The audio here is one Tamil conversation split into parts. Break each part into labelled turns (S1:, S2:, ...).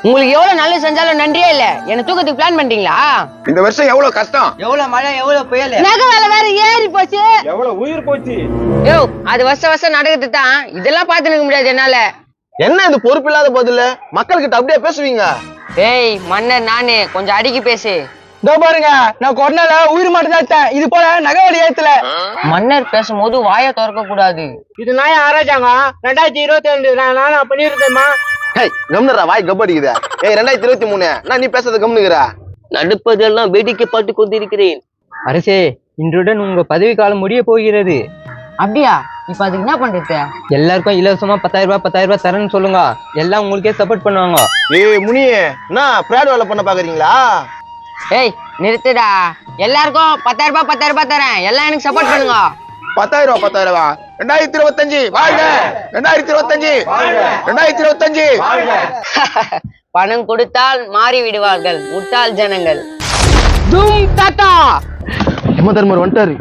S1: உங்களுக்கு எவ்வளவு நல்லது செஞ்சாலும் நன்றியே இல்ல. என்ன தூக்கத்துக்கு பிளான் பண்றீங்களா?
S2: இந்த வருஷம் எவ்வளவு கஷ்டம்,
S3: எவ்வளவு மழை, எவ்வளவு புயல்,
S1: நகை வேலை வேற ஏறி போச்சு.
S4: எவ்வளவு உயிர் போச்சு.
S1: யோ, அது வருஷம் நடக்குது தான். இதெல்லாம் பார்த்து நிக்க முடியாது என்னால.
S5: என்ன இது பொறுப்பு இல்லாத பதில? மக்கள் கிட்ட அப்படியே பேசுவீங்க?
S1: ஏய் மன்னர், நானு கொஞ்சம் அடிக்கி பேசு.
S3: இதோ பாருங்க, நான் கொரோனால உயிர் மட்டும் தான். இது போல நகவடி ஏத்துல
S1: மன்னர் பேசும்போது வாயை திறக்க கூடாது.
S4: இது நான் ஆராய்ச்சாங்க 2022 நான் பண்ணிருக்கேம்மா.
S5: ஹேய் கம்னரா, வாய் கப்படிக்குதா? ஏய் 2023 நான் நீ பேசுறது கம்னுக்குறா?
S1: நடுப்பதெல்லாம் வேடிக்கைப்பட்டு கொண்டிருக்கிறேன்.
S3: அரசே, இன்றுடன் உங்க பதவி காலம் முடிய போகிறது.
S1: அப்படியா? இப்ப அதுக்கு என்ன பண்றது?
S3: எல்லாருக்கும் இலவசமா 10,000 ரூபாய் தரேன்னு சொல்லுங்க. எல்லாம் உங்களுக்கே சப்போர்ட் பண்ணுவாங்க.
S5: ஏய் முனியே, என்ன பிராட் வேலை பண்ண பாக்குறீங்களா?
S1: ஏய் நிறுத்துடா. எல்லாருக்கும் 10,000 ரூபாய் தரேன். எல்லாம் எனக்கு சப்போர்ட் பண்ணுங்க.
S2: 10,000 ரூபாய் 2025 வாழ்க, 2025 2025.
S1: பணம் கொடுத்தால் மாறி விடுவார்கள் முட்டாள் ஜனங்கள்.
S6: தூம் தாத்தா.
S5: யமதர்மர் வந்துட்டாரு.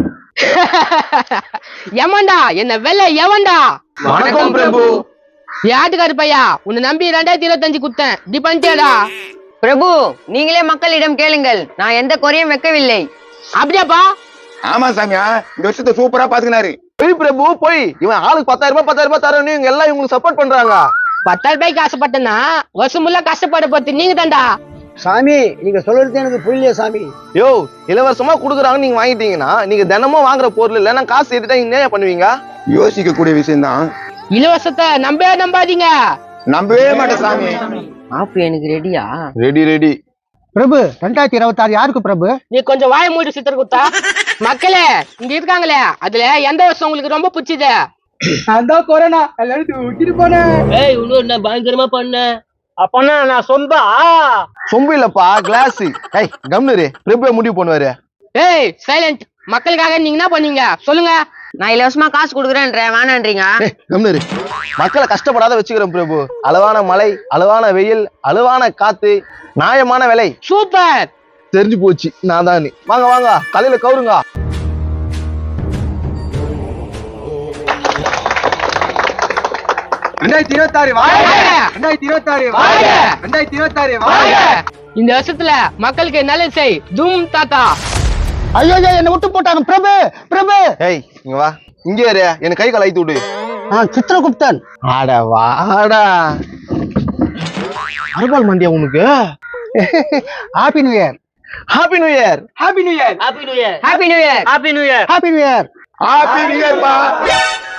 S6: எவன்டா என்ன வெள்ள? எவன்டா?
S5: வணக்கம் பிரபு.
S6: யாட்டுக்காரு பையா, உன்னை நம்பி 2025 குத்தேன். டி பண்ணிட்டியாடா?
S1: பிரபு, நீங்களே மக்களிடம் கேளுங்கள். நான் எந்த குறையும் வைக்கவில்லை.
S6: அப்படியாப்பா?
S2: ஆமா சாமியா, இந்த வருஷத்தை சூப்பரா பாத்துக்கினாரு.
S5: போய் பிரபு போய். இவன் ஆளுக்கு 10,000 ரூபாய் தரணும். இவங்க எல்லாம் இவங்களுக்கு சப்போர்ட் பண்றாங்க.
S6: 10,000 ரூபாய்க்கு ஆசைப்பட்டேன்னா வருஷம் முள்ள கஷ்டப்பட பார்த்து நீங்க தான்டா.
S3: சாமி, நீங்க சொல்றது எனக்கு புரியலையே சாமி.
S5: யோ, இலவசமா குடுக்குறாங்க, நீங்க வாங்கிட்டீங்கன்னா நீங்க தினமும் வாங்குற பொருள் இல்லைன்னா காசு ஏத்திட்டா நீங்க என்ன பண்ணுவீங்க?
S2: யோசிக்க கூடிய விஷயம் தான்.
S6: இலவசத்தை நம்பாதீங்க.
S2: நம்பவே மாட்டேன் சாமி.
S1: ஆப்பு எனக்கு ரெடியா?
S5: ரெடி.
S3: பிரபு, 2026 யாருக்கு பிரபு?
S6: நீ கொஞ்சம் வாய மூடி சித்தர் குத்தா. மக்களே இங்க இருக்காங்களே, அதுல எந்த வருஷம் உங்களுக்கு ரொம்ப பிடிச்சது?
S3: அதான் கொரோனா எல்லாரும் தூக்கிட்டு போனேன்.
S6: ஏய், இன்னொரு நான் பயங்கரமா பண்ணேன்.
S4: அப்பனா நான் சொந்தா
S5: சொம்பு இல்லப்பா, கிளாஸ். ஏய் கம்னரு, பிரபு முடிவு பண்ணுவாரு.
S6: ஏய் சைலண்ட். மக்களுக்காக நீங்க என்ன பண்ணீங்க சொல்லுங்க.
S1: நான் இலவசமா காசு கொடுக்குறேன்றேன், வேணான்றீங்க?
S5: கம்னரு, மக்களை கஷ்டப்படாத வச்சுக்கிறோம் பிரபு. அளவான மழை, அளவான வெயில், அளவான காத்து, நியாயமான விலை.
S6: சூப்பர்.
S5: தெரிஞ்சு போச்சு நான் தான். வாங்க வாங்க, தலையில கவுருங்க.
S6: இந்த வருஷத்துல மக்களுக்கு நல்லது செய். தூம் தாத்தா.
S3: ஐயோ, என்ன விட்டு போட்டாங்க. பிரபு.
S5: ஏய் இங்க வா. இங்க ஏறு, எனக்கு கை கால் அழுத்தி விடு.
S3: சித்திரகுப்தன்.
S5: ஆட வாடா. அருபால் மண்டியா உனக்கு?
S3: Happy new year.
S5: Happy new year.
S6: Happy new year.
S1: Happy new year.
S6: Happy new year.
S3: Happy new year.
S2: Happy new year பா.